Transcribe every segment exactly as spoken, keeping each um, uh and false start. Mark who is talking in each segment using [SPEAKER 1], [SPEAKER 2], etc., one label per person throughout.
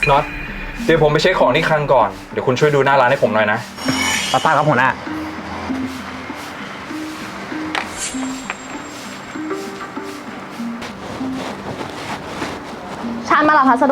[SPEAKER 1] น็อตเดี๋ยวผมไปเช็คของที่คลังก่อน เดี๋ยวคุณช่วยดูหน้าร้านให้ผมหน่อยนะ
[SPEAKER 2] ป้าป้าครับหัวหน้า
[SPEAKER 3] ฉันมารับพัสดุ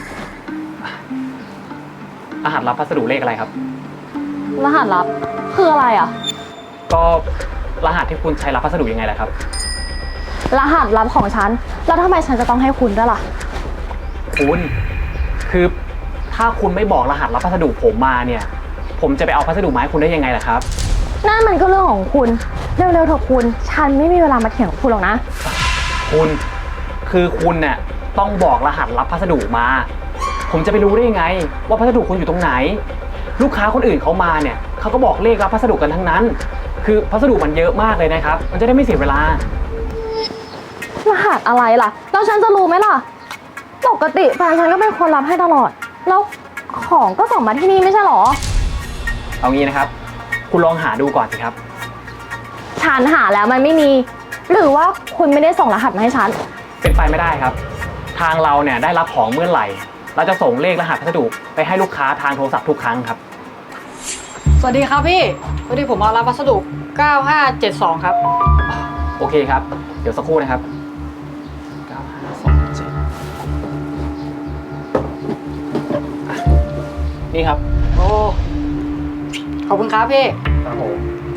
[SPEAKER 2] รหัสรับพัสดุเลขอะไรครับ
[SPEAKER 3] รหัสลับคืออะไรอ่ะ
[SPEAKER 2] ก็รหัสที่คุณใช้รับพัสดุยังไงล่ะครับ
[SPEAKER 3] รหัสลับของฉันแล้วทำไมฉันจะต้องให้คุณด้วยล่ะ
[SPEAKER 2] คุณคือถ้าคุณไม่บอกรหัสรับพัสดุผมมาเนี่ยผมจะไปเอาพัสดุมาให้คุณได้ยังไงล่ะครับ
[SPEAKER 3] นั่นมันก็เรื่องของคุณเร็วๆเถอะคุณฉันไม่มีเวลามาเถียงกับคุณหรอกนะ
[SPEAKER 2] คุณคือคุณเนี่ยต้องบอกรหัสรับพัสดุมา ผมจะไปรู้ได้ยังไงว่าพัสดุคุณอยู่ตรงไหน ลูกค้าคนอื่นเขามาเนี่ยเขาก็บอกเลขรับพัสดุกันทั้งนั้น คือพัสดุมันเยอะมากเลยนะครับมันจะได้ไม่เสียเวลาร
[SPEAKER 3] หัสอะไรล่ะแล้วฉันจะรู้ไหมล่ะปกติแฟนฉันก็เป็นคนรับให้ตลอดแล้วของก็ส่งมาที่นี่ไม่ใช่หรอ
[SPEAKER 2] เอางี้นะครับคุณลองหาดูก่อนสิครับ
[SPEAKER 3] ฉันหาแล้วมันไม่มีหรือว่าคุณไม่ได้ส่งรหัสมาให้ฉัน
[SPEAKER 2] เป็นไปไม่ได้ครับทางเราเนี่ยได้รับของเมื่อไหร่เราจะส่งเลขรหัสพัสดุไปให้ลูกค้าทางโทรศัพท์ทุกครั้งครับ
[SPEAKER 4] สวัสดีครับพี่พอดีผมมารับพัสดุเก้าห้าเจ็ดสองครับ
[SPEAKER 2] โอเคครับเดี๋ยวสักครู่นะครับเก้าห้าสองเจ็ดนี่ครับ
[SPEAKER 4] โอ้ขอบคุณครับพี่
[SPEAKER 2] ครับผม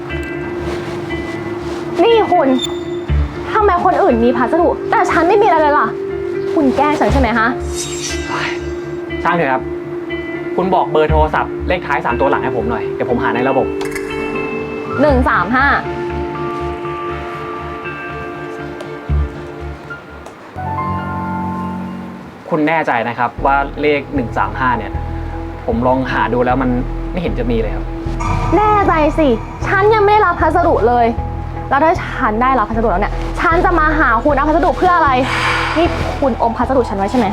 [SPEAKER 3] นี่คุณทำไมคนอื่นมีพัสดุแต่ฉันไม่มีอะไรเลยล่ะคุณแกล้งฉันใช่ไหมฮะ
[SPEAKER 2] ช่างเถอะครับคุณบอกเบอร์โทรศัพท์เลขท้ายสามตัวหลังให้ผมหน่อยเดี๋ยวผมหาในระบบ
[SPEAKER 3] หนึ่งสามห้า
[SPEAKER 2] คุณแน่ใจนะครับว่าเลขหนึ่งสามห้าเนี่ยผมลองหาดูแล้วมันไม่เห็นจะมีเลยครับ
[SPEAKER 3] แน่ใจสิฉันยังไม่ได้รับพัสดุเลยแล้วถ้าฉันได้รับพัสดุแล้วเนี่ยฉันจะมาหาคุณเอาพัสดุเพื่ออะไรนี่คุณอมพัสดุฉันไว้ใช่ไหม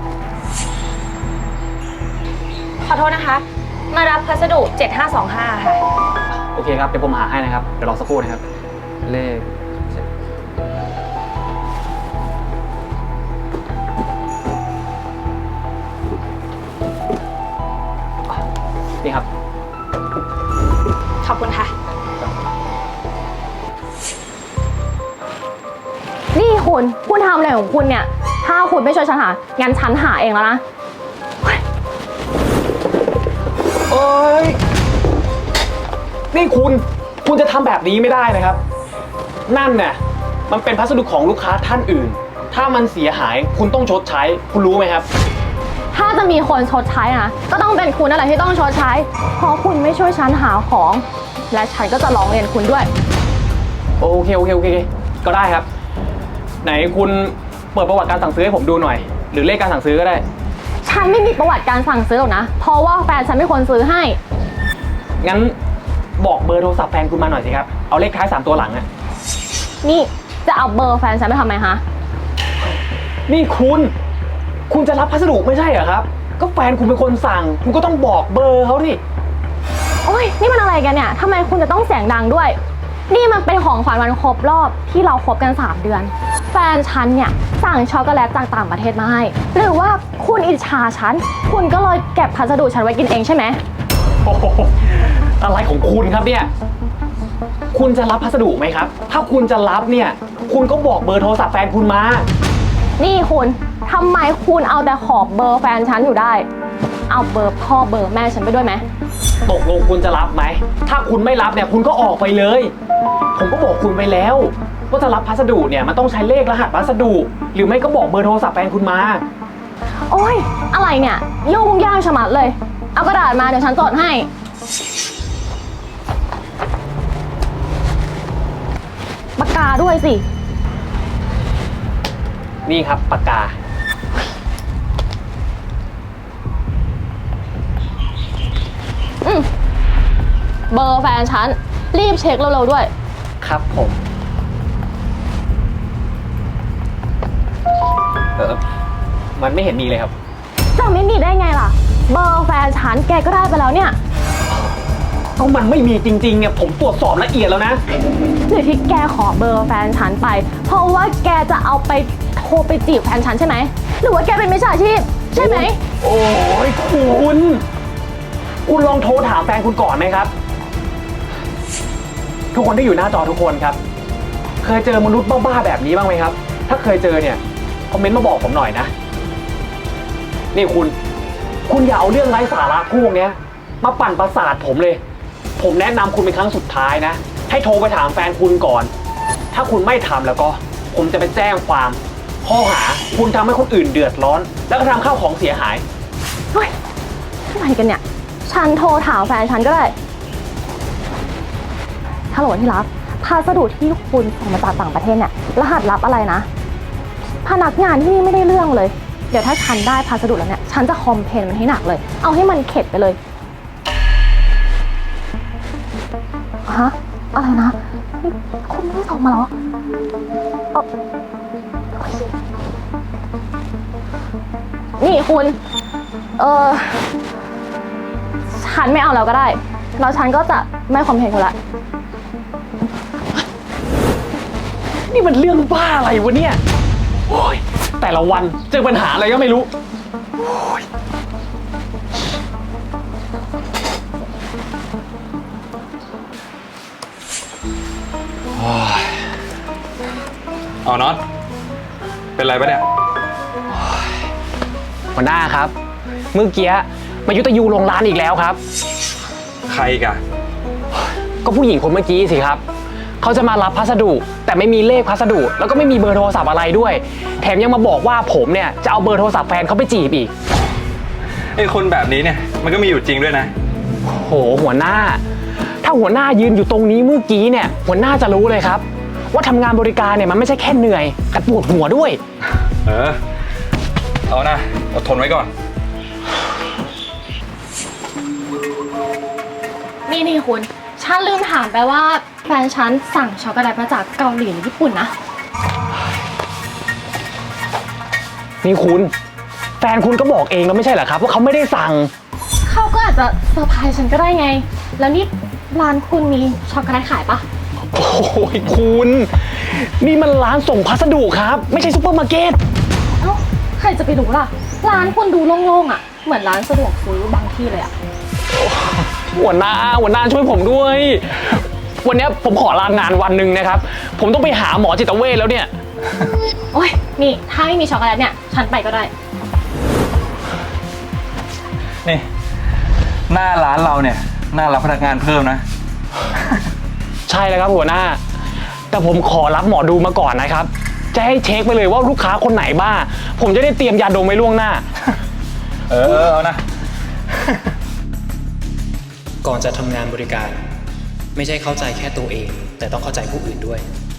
[SPEAKER 5] ขอโทษนะคะมารับพัสดุเจ็ดห้าสองห้าค่ะ
[SPEAKER 2] โอเคครับเดี๋ยวผมหาให้นะครับเดี๋ยวรอสักครู่นะครับเลขนี่ครับ
[SPEAKER 5] ขอบคุณค่ะ
[SPEAKER 3] นี่คุณคุณทำอะไรของคุณเนี่ยถ้าคุณไม่ช่วยฉันหางั้นฉันหาเองแล้วนะ
[SPEAKER 2] เอ้ยนี่คุณคุณจะทำแบบนี้ไม่ได้นะครับนั่นเนี่ยมันเป็นพัสดุของลูกค้าท่านอื่นถ้ามันเสียหายคุณต้องชดใช้คุณรู้ไหมครับ
[SPEAKER 3] ถ้าจะมีคนชดใช้นะก็ต้องเป็นคุณนั่นแหละที่ต้องชดใช้เพราะคุณไม่ช่วยฉันหาของและฉันก็จะร้องเรียนคุณด้วย
[SPEAKER 2] โอเคโอเคโอเคก็ได้ครับไหนคุณเปิดประวัติการสั่งซื้อให้ผมดูหน่อยหรือเลขการสั่งซื้อก็ได้
[SPEAKER 3] ฉันไม่มีประวัติการสั่งซื้อหรอกนะเพราะว่าแฟนฉันเป็นคนซื้อให้
[SPEAKER 2] งั้นบอกเบอร์โทรศัพท์แฟนคุณมาหน่อยสิครับเอาเลขท้ายสามตัวหลังอะ
[SPEAKER 3] นี่จะเอาเบอร์แฟนฉันไปทำไมฮะ
[SPEAKER 2] นี่คุณคุณจะรับพัสดุไม่ใช่เหรอครับก็แฟนคุณเป็นคนสั่งคุณก็ต้องบอกเบอร์เขาดิ
[SPEAKER 3] โอ้ยนี่มันอะไรกันเนี่ยทำไมคุณจะต้องเสียงดังด้วยนี่มันเป็นของขวัญวันครบรอบที่เราคบกันสามเดือนแฟนฉันเนี่ยสั่งช็อกโกแลตจากต่างประเทศมาให้หรือว่าคุณอิจฉาฉันคุณก็เลยเก็บพัสดุฉันไว้กินเองใช่ไหม
[SPEAKER 2] โอ้โหอะไรของคุณครับเนี่ยคุณจะรับพัสดุไหมครับถ้าคุณจะรับเนี่ยคุณก็บอกเบอร์โทรศัพท์แฟนคุณมา
[SPEAKER 3] นี่คุณทำไมคุณเอาแต่ขอเบอร์แฟนฉันอยู่ได้เอาเบอร์พ่อเบอร์แม่ฉันไปด้วยไหม
[SPEAKER 2] ตกลงคุณจะรับไหมถ้าคุณไม่รับเนี่ยคุณก็ออกไปเลยผมก็บอกคุณไปแล้วว่าจะรับพัสดุเนี่ยมันต้องใช้เลขรหัสพัสดุหรือไม่ก็บอกเบอร์โทรศัพท์แฟนคุณมา
[SPEAKER 3] โอ้ยอะไรเนี่ยยุ่งยากชะมัดเลยเอากระดาษมาเดี๋ยวฉันจดให้ปากกาด้วยสิ
[SPEAKER 2] นี่ครับปากกา
[SPEAKER 3] อืมเบอร์แฟนฉันรีบเช็คเร็วๆด้วย
[SPEAKER 2] ครับผมเออมันไม่เห็นมีเลยครับ
[SPEAKER 3] จะไม่มีได้ไงล่ะเบอร์แฟนฉันแกก็ได้ไปแล้วเนี่ย
[SPEAKER 2] ก็มันไม่มีจริงๆเนี่ยผมตรวจสอบละเอียดแล้วนะ
[SPEAKER 3] หรือที่แกขอเบอร์แฟนฉันไปเพราะว่าแกจะเอาไปโทรไปจีบแฟนฉันใช่ไหมหรือว่าแกเป็นมิจฉาชีพใช่ไหม
[SPEAKER 2] โอ้ยคุณ คุณลองโทรถามแฟนคุณก่อนไหมครับ ทุกคนที่อยู่หน้าจอทุกคนครับ เคยเจอมนุษย์บ้าๆแบบนี้บ้างไหมครับ ถ้าเคยเจอเนี่ยคอมเมนต์มาบอกผมหน่อยนะ นี่คุณ คุณอย่าเอาเรื่องไร้สาระพวกเนี้ยมาปั่นประสาทผมเลย ผมแนะนำคุณเป็นครั้งสุดท้ายนะ ให้โทรไปถามแฟนคุณก่อน ถ้าคุณไม่ทำแล้วก็ ผมจะไปแจ้งความข้อหาคุณทำให้คนอื่นเดือดร้อน แล้วก็ทำข้าวของเสียหาย
[SPEAKER 3] เฮ้ยอะไรกันเนี่ย ฉันโทรถามแฟนฉันก็ได้ฮัลโหลที่รักพัสดุที่คุณส่งมาจากต่างประเทศเนี่ยรหัสลับอะไรนะ พนักงานที่นี่ไม่ได้เรื่องเลย เดี๋ยวถ้าฉันได้พัสดุแล้วเนี่ยฉันจะคอมเพลนมันให้หนักเลย เอาให้มันเข็ดไปเลยฮะอะไรนะนี่คุณไม่ได้ส่งมาเหรอเอ่อนี่คุณ เออฉันไม่เอาแล้วก็ได้ แล้วฉันก็จะไม่คอมเพลนคุณละ
[SPEAKER 2] นี่มันเรื่องบ้าอะไรวะเนี่ย โอ้ย แต่ละวันเจอปัญหาอะไรก็ไม่รู้โอ้ย
[SPEAKER 1] เอาน็อตเป็นไรปะเนี่ย
[SPEAKER 2] หัวหน้าครับ เมื่อกี้มายุตยูลงร้านอีกแล้วครับ
[SPEAKER 1] ใครอีกอะ
[SPEAKER 2] ก็ผู้หญิงคนเมื่อกี้สิครับ เขาจะมารับพัสดุ แต่ไม่มีเลขพัสดุ แล้วก็ไม่มีเบอร์โทรศัพท์อะไรด้วย แถมยังมาบอกว่าผมเนี่ยจะเอาเบอร์โทรศัพท์แฟนเขาไปจีบอีก
[SPEAKER 1] ไอ้คนแบบนี้เนี่ยมันก็มีอยู่จริงด้วยนะ
[SPEAKER 2] โหหัวหน้า ถ้าหัวหน้ายืนอยู่ตรงนี้เมื่อกี้เนี่ยหัวหน้าจะรู้เลยครับ ว่าทำงานบริการเนี่ยมันไม่ใช่แค่เหนื่อยแต่ปวดหัวด้วย
[SPEAKER 1] เออ เอานะอดทนไว้ก่อน
[SPEAKER 3] นี่นี่คุณ ฉันลืมถามไปว่าแฟนฉันสั่งช็อกโกแลตมาจากเกาหลีหรือญี่ปุ่นนะ
[SPEAKER 2] นี่คุณ แฟนคุณก็บอกเองแล้วไม่ใช่เหรอครับว่าเขาไม่ได้สั่ง
[SPEAKER 3] เขาก็อาจจะเซอร์ไพรส์ฉันก็ได้ไง แล้วนี่ร้านคุณมีช็อกโกแลตขายปะ
[SPEAKER 2] โอ้ยคุณ นี่มันร้านส่งพัสดุครับ ไม่ใช่ซุปเปอร์มาร์เก็ต
[SPEAKER 3] เอ้าใครจะไปรู้ล่ะ ร้านคุณดูโล่งๆอ่ะ เหมือนร้านสะดวกซื้อบางที่เลยอ่ะ
[SPEAKER 2] หัวหน้าหัวหน้าช่วยผมด้วย วันนี้ผมขอลางานวันหนึ่งนะครับ ผมต้องไปหาหมอจิตเวชแล้วเนี่ย
[SPEAKER 3] โอ้ยนี่ถ้าไม่มีช็อกโกแลตเนี่ย ฉันไปก็ได้
[SPEAKER 1] นี่ หน้าร้านเราเนี่ยน่ารับพนักงานเพิ่มนะ
[SPEAKER 2] ใช่แล้วครับหัวหน้า แต่ผมขอรับหมอดูมาก่อนนะครับ จะให้เช็คไปเลยว่าลูกค้าคนไหนบ้า ผมจะได้เตรียมยาดมไว้ล่วงหน้า
[SPEAKER 1] เออเอานะ
[SPEAKER 6] ก่อนจะทำงานบริการ ไม่ใช่เข้าใจแค่ตัวเอง แต่ต้องเข้าใจผู้อื่นด้วย